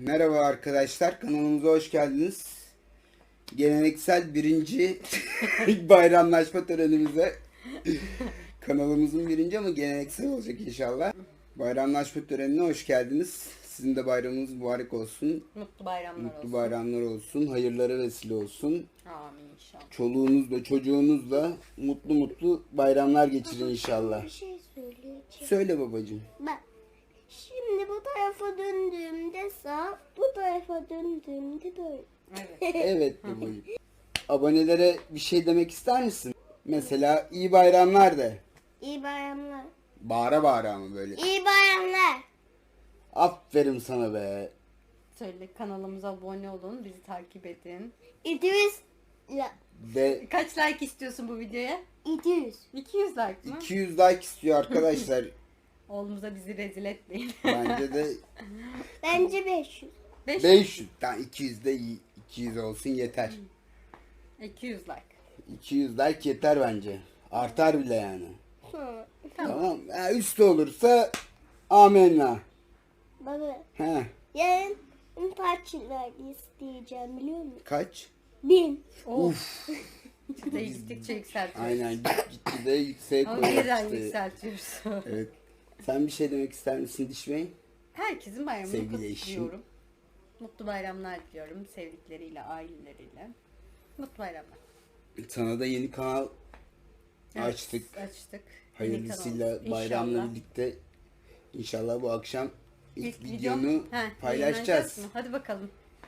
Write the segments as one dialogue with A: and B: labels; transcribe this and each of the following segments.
A: Merhaba arkadaşlar, kanalımıza hoş geldiniz. Geleneksel birinci bayramlaşma törenimize. Kanalımızın birinci ama geleneksel olacak inşallah. Bayramlaşma törenine hoş geldiniz. Sizin de bayramınız mübarek olsun.
B: Mutlu bayramlar olsun.
A: Mutlu bayramlar olsun. Hayırlara vesile olsun.
B: Amin inşallah.
A: Çoluğunuzla çocuğunuzla mutlu mutlu bayramlar geçirin inşallah.
C: Bir şey söyleyeceğim.
A: Söyle babacığım.
C: Bak. Şimdi bu tarafa döndüğümde sağ, bu tarafa döndüğümde böyle.
B: Evet.
A: Evet babacığım. Abonelere bir şey demek ister misin? Mesela iyi bayramlar de.
C: İyi bayramlar.
A: Bağıra bağıra ama böyle.
C: İyi bayramlar.
A: Aferin sana be.
B: Söyle, kanalımıza abone olun, bizi takip edin.
C: 200 la,
A: De
B: Kaç like istiyorsun bu videoya?
C: 200.
B: 200 like mı?
A: 200 like istiyor arkadaşlar.
B: Oğlumuza bizi rezil etmeyin.
A: Bence de
C: Bence 500.
A: 500. Tamam 200 de iyi. 200 olsun yeter.
B: 200 like.
A: 200 like yeter bence. Artar bile yani.
C: Hı.
A: Tamam. Ha, üstü olursa amenna.
C: Baba,
A: He.
C: yarın kaç like isteyeceğim biliyor musun?
A: Kaç?
C: 1000.
B: Of. Çıtayı gittikçe yükseltiyoruz.
A: Aynen gitti de yükseğe
B: Ama
A: koyuyor
B: birden
A: işte.
B: yükseltiyoruz.
A: Evet. Sen bir şey demek ister misin Diş Bey?
B: Herkesin bayramını
A: Sevgili eşim.
B: kutluyorum. Mutlu bayramlar diliyorum sevdikleriyle, aileleriyle. Mutlu bayramlar.
A: Sana da yeni kanal
B: Evet,
A: açtık.
B: Açtık.
A: Hayırlısıyla
B: Yeni kanal.
A: bayramla
B: İnşallah.
A: birlikte inşallah bu akşam ilk
B: videom-
A: videonu
B: He,
A: paylaşacağız.
B: yayınlayacağız mı? Hadi bakalım.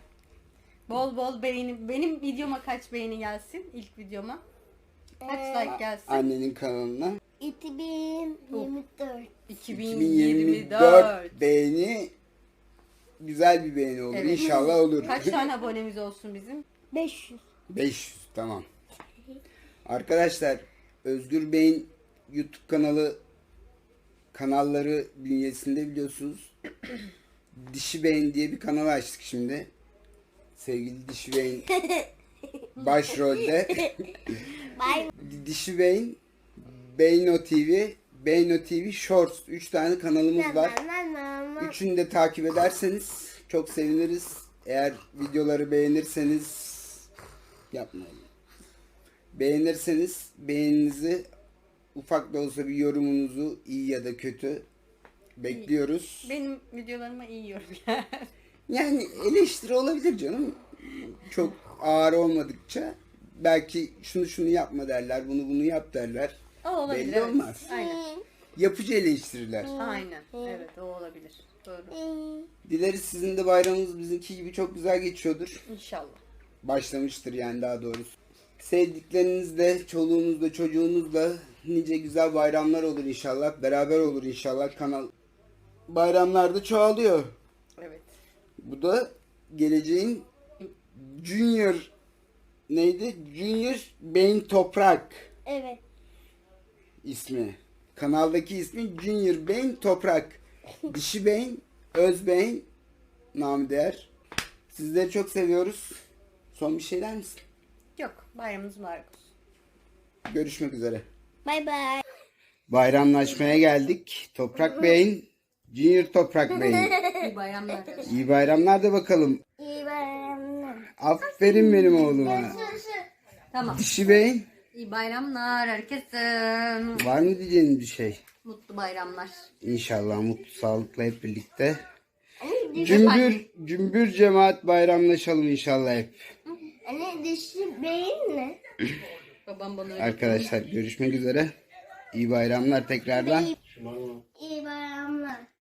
B: Bol bol beğeni. Benim videoma kaç beğeni gelsin? İlk videoma. Kaç like gelsin?
A: Annenin kanalına
C: 2024.
B: 2024.
A: beğeni güzel bir beğeni olur.
B: Evet.
A: İnşallah olur.
B: Kaç tane abonemiz olsun bizim?
C: 500.
A: 500 tamam. Arkadaşlar Özgür Bey'in YouTube kanalları bünyesinde biliyorsunuz. Dişi Beyin diye bir kanal açtık şimdi. Sevgili Dişi Beyin başrolde.
C: Bay
A: Dişi Beyin, Beyno TV, Beyno TV Shorts 3 tane kanalımız var. Üçünü de takip ederseniz çok seviniriz. Eğer videoları beğenirseniz yapmayın. Beğenirseniz beğeninizi ufak da olsa bir yorumunuzu iyi ya da kötü bekliyoruz.
B: Benim videolarıma iyi yorum.
A: Yani eleştiri olabilir canım. Çok ağır olmadıkça belki şunu yapma derler, bunu yap derler.
B: O olabilir.
A: Belli
B: evet.
A: olmaz.
B: Aynen.
A: Yapıcı eleştiriler.
B: Aynen. Evet, o olabilir. Doğru.
A: Dileriz sizin de bayramınız bizimki gibi çok güzel geçiyordur.
B: İnşallah.
A: Başlamıştır yani daha doğrusu. Sevdiklerinizle, çoluğunuzla, çocuğunuzla nice güzel bayramlar olur inşallah. Beraber olur inşallah. Kanal bayramlarda çoğalıyor.
B: Evet.
A: Bu da geleceğin Junior neydi? Junior Beyin Toprak
C: Evet.
A: ismi. Kanaldaki ismi Junior Beyin Toprak. Dişi Beyin, Öz Beyin namı değer. Sizleri çok seviyoruz. Son bir şey der misin?
B: Yok. Bayramınız mübarek olsun.
A: Görüşmek üzere.
C: Bay bay.
A: Bayramlaşmaya geldik. Toprak Bey'in, Junior Toprak Bey'in.
B: İyi bayramlar.
A: İyi bayramlar da bakalım.
C: İyi bayramlar.
A: Aferin benim oğluma.
B: Tamam.
A: Dişi Bey,
B: İyi bayramlar herkese.
A: var mı diyeceğiniz bir şey?
B: Mutlu bayramlar.
A: İnşallah mutlu, sağlıkla hep birlikte.
C: Anne,
A: Cümbür cemaat bayramlaşalım inşallah hep.
C: anne dişi beyin mi?
B: Babam bana öyle
A: Arkadaşlar görüşmek üzere. İyi bayramlar tekrardan.
C: İyi bayramlar.